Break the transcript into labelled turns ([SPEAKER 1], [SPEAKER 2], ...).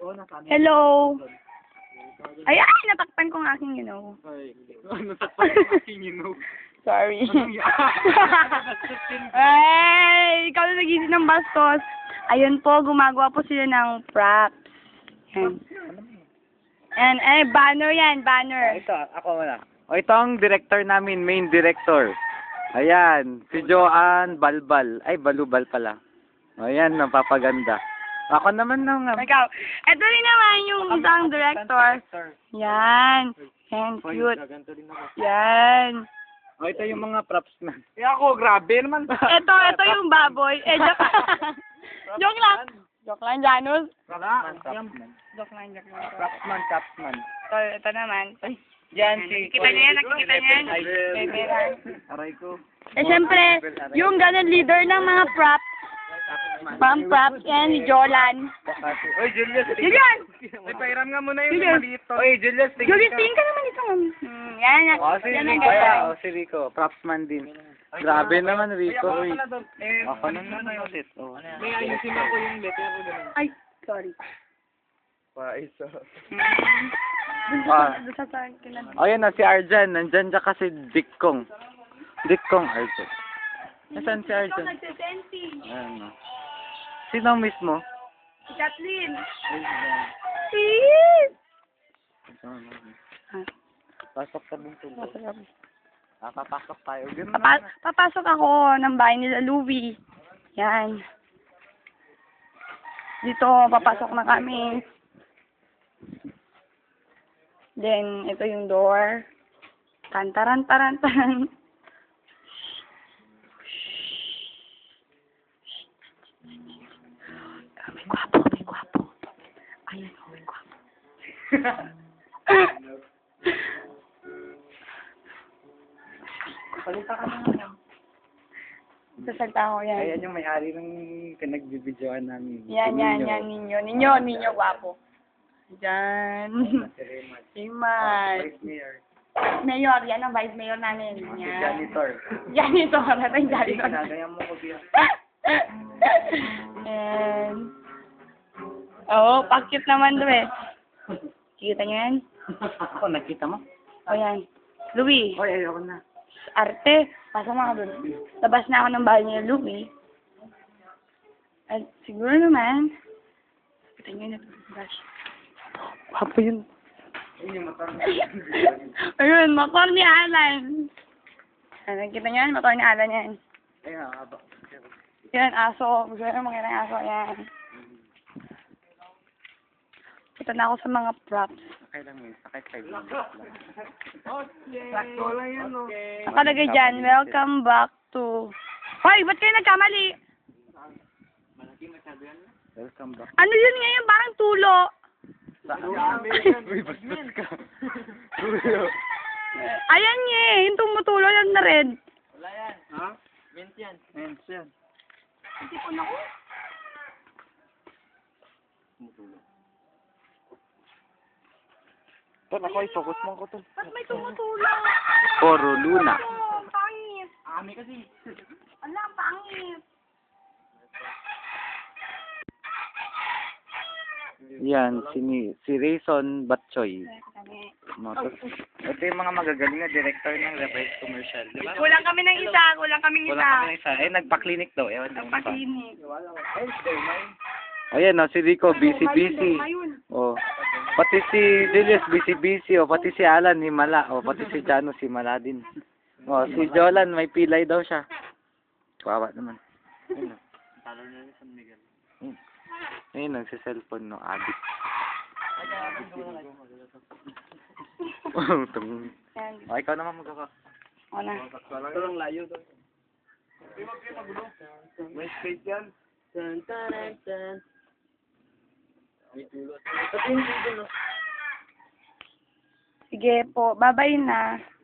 [SPEAKER 1] Hello. Ay, natakpan ko ng aking
[SPEAKER 2] Ay, natakpan ko aking
[SPEAKER 1] Sorry. Ay, ikaw na nag-isip ng bastos. Ayun po, gumagawa po sila ng props. Yan. Banner yan, banner.
[SPEAKER 2] Ito, ako wala. O, ito ang director namin, main director. Ayan, si Joanne Balbal. Ay, Balubal pala. Ayan, napapaganda. Ako naman nang...
[SPEAKER 1] Ikaw. Ito rin naman yung isang director. Yan. Yan, cute. Yan.
[SPEAKER 2] O, ito yung mga props na. Ako, grabe naman.
[SPEAKER 1] Ito yung baboy. Joke lang. Joke lang, Janus. Joke lang.
[SPEAKER 2] Propsman.
[SPEAKER 1] Ito naman.
[SPEAKER 2] Diyan si...
[SPEAKER 1] Nakikita niya yan, nakikita niya yan.
[SPEAKER 2] Aray ko.
[SPEAKER 1] Siyempre, yung ganun leader ng mga props. Mga props yan, si Jolan.
[SPEAKER 2] Oy, Julius.
[SPEAKER 1] Julian!
[SPEAKER 2] Ay, pairam nga muna yung
[SPEAKER 1] Julius.
[SPEAKER 2] maliit to. Oy, Julius.
[SPEAKER 1] Julius, tingin ka naman ito. Yan.
[SPEAKER 2] Si
[SPEAKER 1] Yan ang
[SPEAKER 2] Rico.
[SPEAKER 1] ganda.
[SPEAKER 2] Si Rico. Propsman din. Grabe naman, Rico. Uy. Ako naman yung ulit. May ayusin ako yung letter ko ganun.
[SPEAKER 1] Ay, sorry.
[SPEAKER 2] Paisa.
[SPEAKER 1] Doon sa kilan.
[SPEAKER 2] Ayun na, si Arjan. Nandyan dyan kasi Dikkong. Dikkong Arjan. Nasaan si Arjan?
[SPEAKER 1] Nagsisensi.
[SPEAKER 2] Ayan o. Sino mismo?
[SPEAKER 1] Si Kathleen. Please!
[SPEAKER 2] Pasok sa bungtong. Papasok tayo.
[SPEAKER 1] Papasok ako ng bahay nila Louie. Yan. Dito, papasok na kami. Then, ito yung door. Tantaran. May gwapo. Ayan, may gwapo.
[SPEAKER 2] Palita ka na.
[SPEAKER 1] Sasalta ako yan.
[SPEAKER 2] Ayan yung may-ari ng pinagbibidyoan namin.
[SPEAKER 1] Yan, ninyo, gwapo. Diyan. Si Matt. Mayor, yan ang vice mayor namin. Yan.
[SPEAKER 2] Janitor.
[SPEAKER 1] Janitor, natin janitor.
[SPEAKER 2] Kinagaya mo ko biya.
[SPEAKER 1] And, pakit naman doon eh. Kita niyo yan?
[SPEAKER 2] Ako, nakita mo?
[SPEAKER 1] O yan. Louie,
[SPEAKER 2] Oy, ayoko na.
[SPEAKER 1] arte. Pasok mo ka doon. Labas na ako ng bahay niya, Louie. At siguro naman, kita niyo na brush.
[SPEAKER 2] Wapo yun.
[SPEAKER 1] Ayun, motor ni Alan. Nakita niyo yan? Motor ni Alan yan.
[SPEAKER 2] Ayan, haba.
[SPEAKER 1] Yan, aso. Gusto nyo makita ng aso. Yan. Punta na ako sa mga props.
[SPEAKER 2] Sakay lang yun. Sakay 5 minutes lang. Sakto lang yan, no?
[SPEAKER 1] Nakalagay dyan, welcome back to... Hoy, ba't kayo nagkamali?
[SPEAKER 2] Welcome back.
[SPEAKER 1] Ano yun ngayon? Parang tulo.
[SPEAKER 2] Uy, bastos ka.
[SPEAKER 1] Ayan nga eh. Yung tumutulo yan na red.
[SPEAKER 2] Wala yan. Ha? Mint yan. Mint yan.
[SPEAKER 1] Hindi ko na ko.
[SPEAKER 2] Tol, ako i-focus mo ko, Tol.
[SPEAKER 1] Ba't may tumutulo?
[SPEAKER 2] Poro Luna.
[SPEAKER 1] Oh, pangit.
[SPEAKER 2] Ami kasi.
[SPEAKER 1] Ala, pangit.
[SPEAKER 2] Yan, si Rayson Batchoy. Ito yung mga magagaling na director ng reverse commercial, di ba?
[SPEAKER 1] Kulang kami ng isa. Kulang kaming
[SPEAKER 2] Wala kami ng isa. Eh, nagpa-clinic daw. Ewan daw.
[SPEAKER 1] Nagpa-clinic.
[SPEAKER 2] Ayan, si Rico, busy. Oh. Pati si Julius, busy. Oh, pati si Alan, himala. Oh, pati si Janus, himala din. Oh, si Jolan, may pilay daw siya. Kawawa naman. Ayun, talo na ni San Miguel. Ayun, nagsiselfone no, addict. Oh, ikaw naman magkaka.
[SPEAKER 1] O na.
[SPEAKER 2] Ito lang layo doon. May space yan. Tan.
[SPEAKER 1] Sige po, babay na.